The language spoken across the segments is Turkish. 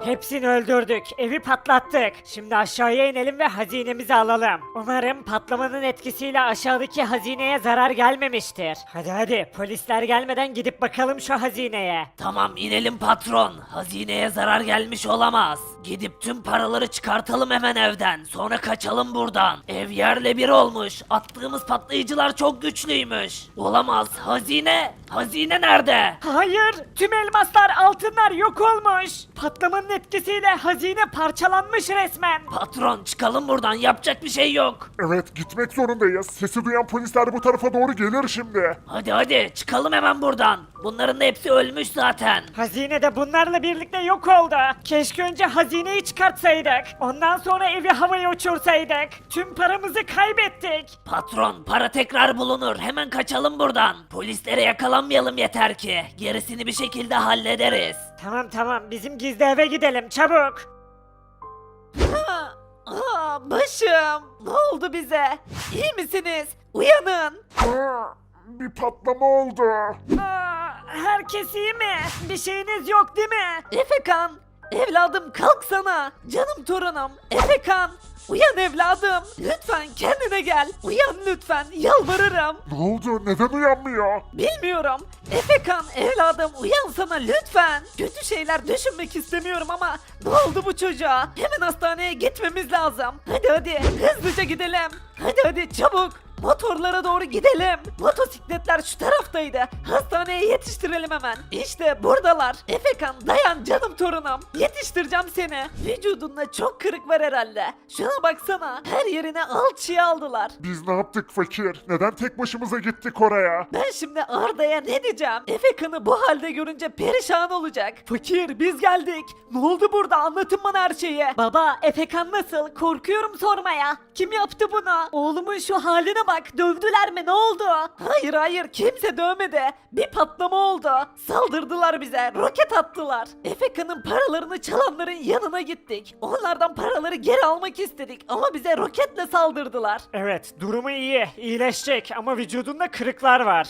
Hepsini öldürdük, evi patlattık. Şimdi aşağıya inelim ve hazinemizi alalım. Umarım patlamanın etkisiyle aşağıdaki hazineye zarar gelmemiştir. Hadi hadi, polisler gelmeden gidip bakalım şu hazineye. Tamam inelim patron. Hazineye zarar gelmiş olamaz. Gidip tüm paraları çıkartalım hemen evden. Sonra kaçalım buradan. Ev yerle bir olmuş. Attığımız patlayıcılar çok güçlüymüş. Olamaz. Hazine. Hazine nerede? Hayır, tüm elmaslar, altınlar yok olmuş. Patlamanın etkisiyle hazine parçalanmış resmen. Patron çıkalım buradan. Yapacak bir şey yok. Evet, gitmek zorundayız. Sesi duyan polisler bu tarafa doğru gelir şimdi. Hadi hadi çıkalım hemen buradan. Bunların da hepsi ölmüş zaten. Hazine de bunlarla birlikte yok oldu. Keşke önce hazineyi çıkartsaydık. Ondan sonra evi havaya uçursaydık. Tüm paramızı kaybettik. Patron para tekrar bulunur. Hemen kaçalım buradan. Polislere yakalanmayalım yeter ki. Gerisini bir şekilde hallederiz. Tamam tamam, bizim gizli eve gidelim çabuk. Başım. Ne oldu bize? İyi misiniz? Uyanın. Bir patlama oldu. Herkes iyi mi? Bir şeyiniz yok değil mi? Efekan. Evladım kalksana. Canım torunum. Efekan. Uyan evladım. Lütfen kendine gel. Uyan lütfen. Yalvarırım. Ne oldu? Neden uyanmıyor? Bilmiyorum. Efekan evladım uyansana lütfen. Kötü şeyler düşünmek istemiyorum ama ne oldu bu çocuğa? Hemen hastaneye gitmemiz lazım. Hadi hadi hızlıca gidelim. Hadi hadi çabuk. Motorlara doğru gidelim. Motosikletler şu taraftaydı. Hastaneye yetiştirelim hemen. İşte buradalar. Efekan dayan canım torunum. Yetiştireceğim seni. Vücudunda çok kırık var herhalde. Şuna baksana. Her yerine alçıya aldılar. Biz ne yaptık fakir? Neden tek başımıza gittik oraya? Ben şimdi Arda'ya ne diyeceğim? Efekan'ı bu halde görünce perişan olacak. Fakir biz geldik. Ne oldu burada anlatın bana her şeyi. Baba, Efekan nasıl? Korkuyorum sormaya. Kim yaptı bunu? Oğlumun şu haline bak. Dövdüler mi? Ne oldu? Hayır hayır kimse dövmedi. Bir patlama oldu. Saldırdılar bize. Roket attılar. Efekan'ın paralarını çalanların yanına gittik. Onlardan paraları geri almak istedik ama bize roketle saldırdılar. Evet, durumu iyi. İyileşecek ama vücudunda kırıklar var.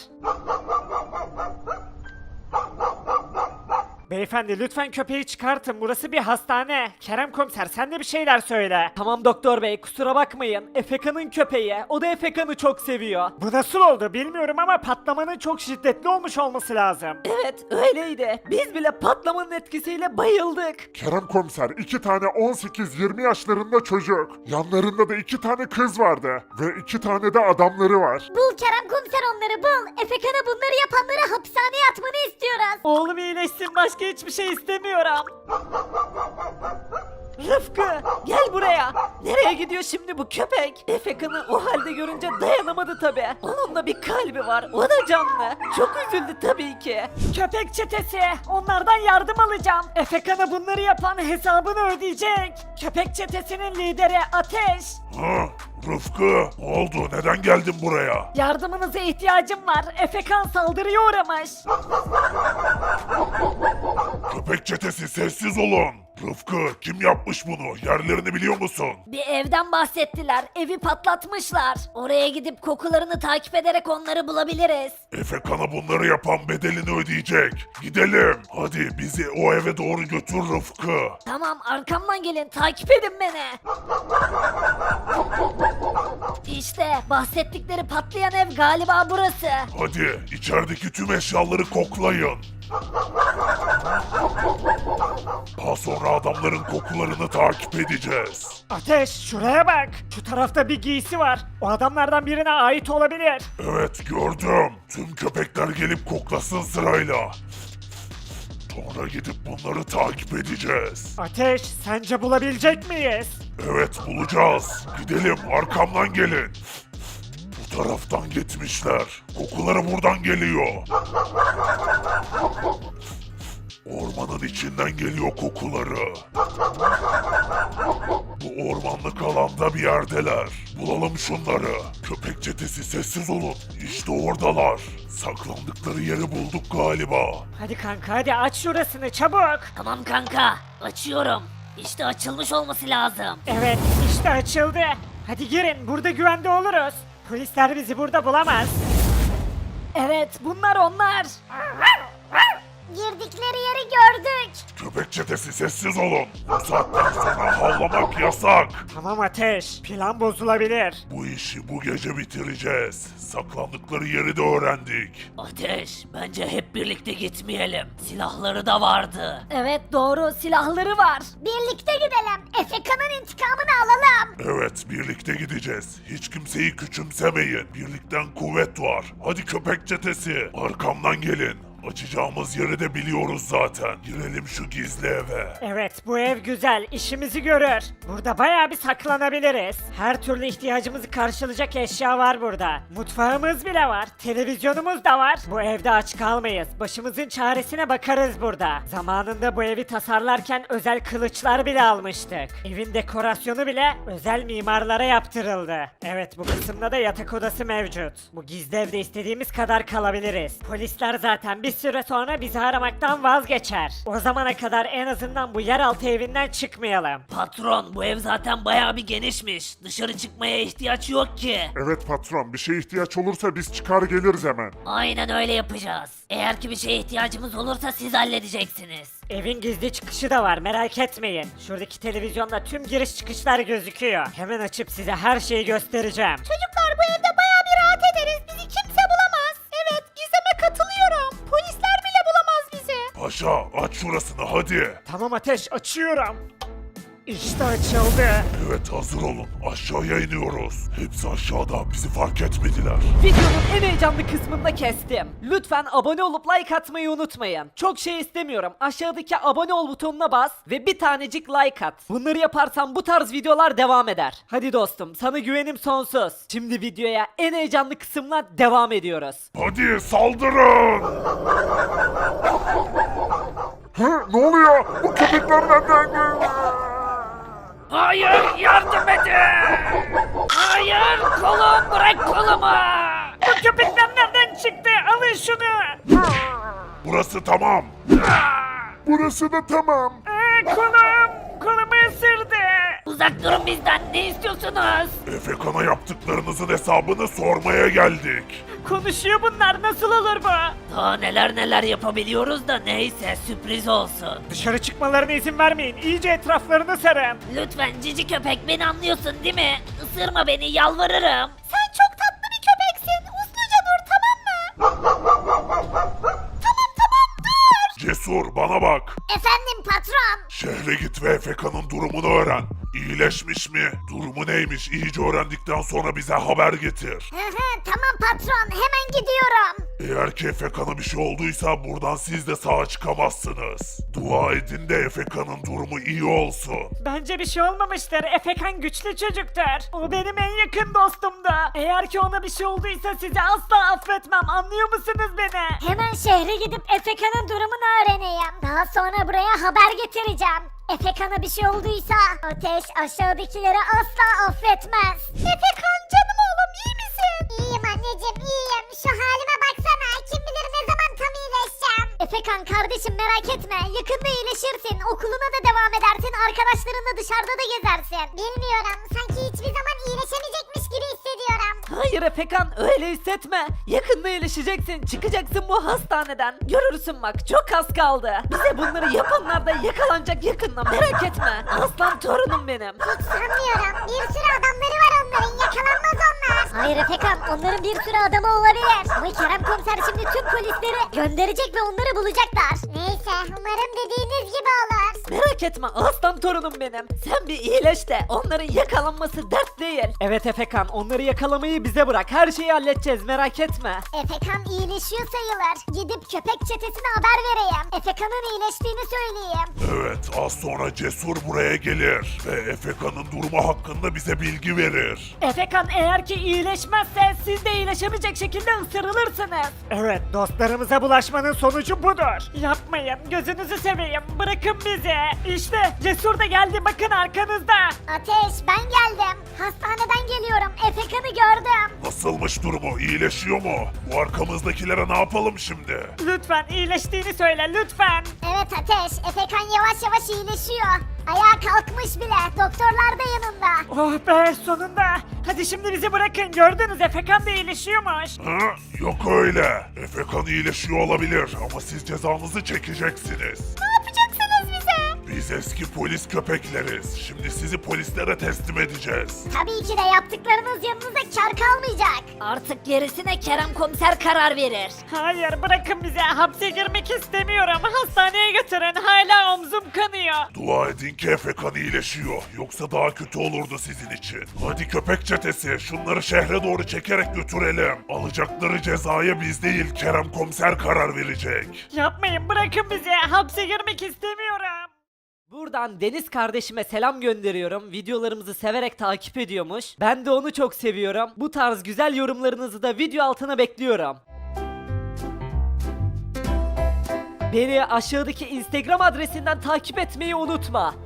Beyefendi lütfen köpeği çıkartın. Burası bir hastane. Kerem komiser sen de bir şeyler söyle. Tamam doktor bey kusura bakmayın. Efekan'ın köpeği. O da Efekan'ı çok seviyor. Bu nasıl oldu bilmiyorum ama patlamanın çok şiddetli olmuş olması lazım. Evet öyleydi. Biz bile patlamanın etkisiyle bayıldık. Kerem komiser 2 tane 18-20 yaşlarında çocuk. Yanlarında da 2 tane kız vardı. Ve 2 tane de adamları var. Bul Kerem komiser onları bul. Efekan'a bunları yapanları hapishaneye atmanı istiyoruz. Oğlum iyileşsin, başka hiçbir şey istemiyorum. Rıfkı gel buraya. Nereye gidiyor şimdi bu köpek? Efekan'ı o halde görünce dayanamadı tabi. Onun da bir kalbi var. O da canlı. Çok üzüldü tabii ki. Köpek çetesi. Onlardan yardım alacağım. Efekan'a bunları yapan hesabını ödeyecek. Köpek çetesinin lideri Ateş. Ha, Rıfkı, ne oldu? Neden geldin buraya? Yardımınıza ihtiyacım var. Efekan saldırıya uğramış. Köpek çetesi sessiz olun. Rıfkı, kim yapmış bunu? Yerlerini biliyor musun? Bir evden bahsettiler. Evi patlatmışlar. Oraya gidip kokularını takip ederek onları bulabiliriz. Efekan'a bunları yapan bedelini ödeyecek. Gidelim. Hadi bizi o eve doğru götür Rıfkı. Tamam arkamdan gelin takip edin beni. İşte bahsettikleri patlayan ev galiba burası. Hadi içerideki tüm eşyaları koklayın. Daha sonra adamların kokularını takip edeceğiz. Ateş şuraya bak. Şu tarafta bir giysi var. O adamlardan birine ait olabilir. Evet gördüm. Tüm köpekler gelip koklasın sırayla. Sonra gidip bunları takip edeceğiz. Ateş sence bulabilecek miyiz? Evet bulacağız. Gidelim arkamdan gelin. Bu taraftan gitmişler. Kokuları buradan geliyor. Ormanın içinden geliyor kokuları. Bu ormanlık alanda bir yerdeler. Bulalım şunları. Köpek çetesi sessiz olun. İşte oradalar. Saklandıkları yeri bulduk galiba. Hadi kanka hadi aç şurasını çabuk. Tamam kanka açıyorum. İşte açılmış olması lazım. Evet işte açıldı. Hadi girin burada güvende oluruz. Polisler bizi burada bulamaz. Evet bunlar onlar. Girdikleri yeri gördük. Köpek çetesi sessiz olun. Bu saatten sonra havlamak yasak. Tamam Ateş, plan bozulabilir. Bu işi bu gece bitireceğiz. Saklandıkları yeri de öğrendik. Ateş, bence hep birlikte gitmeyelim. Silahları da vardı. Evet doğru, silahları var. Birlikte gidelim. Efeka'nın intikamını alalım. Evet, birlikte gideceğiz. Hiç kimseyi küçümsemeyin. Birlikten kuvvet var. Hadi köpek çetesi, arkamdan gelin. Açacağımız yeri de biliyoruz zaten. Girelim şu gizli eve. Evet, bu ev güzel, işimizi görür. Burada bayağı bir saklanabiliriz. Her türlü ihtiyacımızı karşılayacak eşya var burada. Mutfağımız bile var, televizyonumuz da var. Bu evde aç kalmayız. Başımızın çaresine bakarız burada. Zamanında bu evi tasarlarken özel kılıçlar bile almıştık. Evin dekorasyonu bile özel mimarlara yaptırıldı. Evet, bu kısımda da yatak odası mevcut. Bu gizli evde istediğimiz kadar kalabiliriz. Polisler zaten bir süre sonra bizi aramaktan vazgeçer. O zamana kadar en azından bu yeraltı evinden çıkmayalım. Patron, bu ev zaten bayağı bir genişmiş. Dışarı çıkmaya ihtiyaç yok ki. Evet patron, bir şeye ihtiyaç olursa biz çıkar geliriz hemen. Aynen öyle yapacağız. Eğer ki bir şeye ihtiyacımız olursa siz halledeceksiniz. Evin gizli çıkışı da var, merak etmeyin. Şuradaki televizyonda tüm giriş çıkışlar gözüküyor. Hemen açıp size her şeyi göstereceğim. Çocuklar bu evde bayağı bir rahat ederiz. Bizi kimse bulamaz. Evet, Gizem'e katılıyorum. Polisler bile bulamaz bizi. Paşa, aç şurasını hadi. Tamam Ateş, açıyorum. İşte açıldı. Evet, hazır olun. Aşağıya iniyoruz. Hepsi aşağıda. Bizi fark etmediler. Videonun en heyecanlı kısmında kestim. Lütfen abone olup like atmayı unutmayın. Çok şey istemiyorum. Aşağıdaki abone ol butonuna bas ve bir tanecik like at. Bunları yaparsan bu tarz videolar devam eder. Hadi dostum, sana güvenim sonsuz. Şimdi videoya en heyecanlı kısımla devam ediyoruz. Hadi saldırın. Hı, ne oluyor? Bu köpekler nereden? Hayır, yardım edin! Hayır, kolum, bırak kolumu! Bu köpekler nereden çıktı? Alın şunu. Burası tamam. Burası da tamam. Kolumu ısırdı. Uzak durun bizden, ne istiyorsunuz? Efekan'a yaptıklarınızın hesabını sormaya geldik. Konuşuyor bunlar, nasıl olur bu? Daha neler yapabiliyoruz da neyse, sürpriz olsun. Dışarı çıkmalarına izin vermeyin, iyice etraflarını sarın. Lütfen cici köpek, beni anlıyorsun değil mi? Isırma beni, yalvarırım. Sen çok tatlı bir köpeksin. Usluca dur, tamam mı? Cesur, bana bak. Efendim patron. Şehre git ve Efekan'ın durumunu öğren. İyileşmiş mi? Durumu neymiş? İyice öğrendikten sonra bize haber getir. Tamam patron, hemen gidiyorum. Eğer ki Efekan'a bir şey olduysa buradan siz de sağa çıkamazsınız. Dua edin de Efekan'ın durumu iyi olsun. Bence bir şey olmamıştır. Efekan güçlü çocuktur. O benim en yakın dostumdu. Eğer ki ona bir şey olduysa sizi asla affetmem. Anlıyor musunuz beni? Hemen şehre gidip Efeka'nın durumunu öğreneyim. Daha sonra buraya haber getireceğim. Efekan'a bir şey olduysa Ateş aşağıdakilere asla affetmez. Efekan canım oğlum, iyi misin? İyiyim anneciğim, iyiyim. Şu halime baksana, kim bilir ne zaman tam iyileşeceğim. Efekan kardeşim, merak etme, yakında iyileşirsin. Okuluna da devam edersin, arkadaşlarınla dışarıda da gezersin. Bilmiyorum, sanki hiçbir zaman iyileşemeyecekmiş gibi hissediyorum. Hayır Efekan, öyle hissetme. Yakında iyileşeceksin, çıkacaksın bu hastaneden. Görürsün bak, çok az kaldı. Bize bunları yapanlar da yakalanacak yakında, merak etme. Aslan torunum benim. Hiç sanmıyorum. Bir sürü adamları var onların. Yakalanmaz onlar. Hayır Efekan, onların bir sürü adamı olabilir. Ama Kerem komiser şimdi tüm polisleri gönderecek ve onları bulacaklar. Neyse, umarım dediğiniz gibi olur. Merak etme aslan torunum benim. Sen bir iyileş de onların yakalanması dert değil. Evet Efekan, onları yakalamayı bize bırak. Her şeyi halledeceğiz, merak etme. Efekan iyileşiyor sayılır. Gidip köpek çetesine haber vereyim. Efekan'ın iyileştiğini söyleyeyim. Evet, az sonra Cesur buraya gelir ve Efekan'ın durumu hakkında bize bilgi verir. Efekan eğer ki iyileşmezse siz de iyileşemeyecek şekilde ısırılırsınız. Evet, dostlarımıza bulaşmanın sonucu budur. Yapmayın, gözünüzü seveyim, bırakın bizi. İşte Cesur da geldi, bakın arkanızda. Ateş, ben geldim. Hastaneden geliyorum. Efekan'ı gördüm. Nasılmış durumu? İyileşiyor mu? Bu arkamızdakilere ne yapalım şimdi? Lütfen iyileştiğini söyle, lütfen. Evet Ateş, Efekan yavaş yavaş iyileşiyor. Ayağa kalkmış bile. Doktorlar da yanında. Oh be, sonunda. Hadi şimdi bizi bırakın. Gördünüz Efekan da iyileşiyormuş. Ha? Yok öyle. Efekan iyileşiyor olabilir ama siz cezanızı çekeceksiniz. Ne yapacaksınız bize? Biz eski polis köpekleriz. Şimdi sizi polislere teslim edeceğiz. Tabii ki de yaptıklarınız yanınıza kar kalmayacak. Artık gerisine Kerem komiser karar verir. Hayır bırakın bizi. Hapse girmek istemiyorum. Hastaneye götürün. Hala omzum kanıyor. Dua edin ki Efekan iyileşiyor. Yoksa daha kötü olurdu sizin için. Hadi köpek çetesi şunları şehre doğru çekerek götürelim. Alacakları cezaya biz değil Kerem komiser karar verecek. Yapmayın bırakın bizi. Hapse girmek istemiyorum. Buradan Deniz kardeşime selam gönderiyorum. Videolarımızı severek takip ediyormuş. Ben de onu çok seviyorum. Bu tarz güzel yorumlarınızı da video altına bekliyorum. Beni aşağıdaki Instagram adresinden takip etmeyi unutma.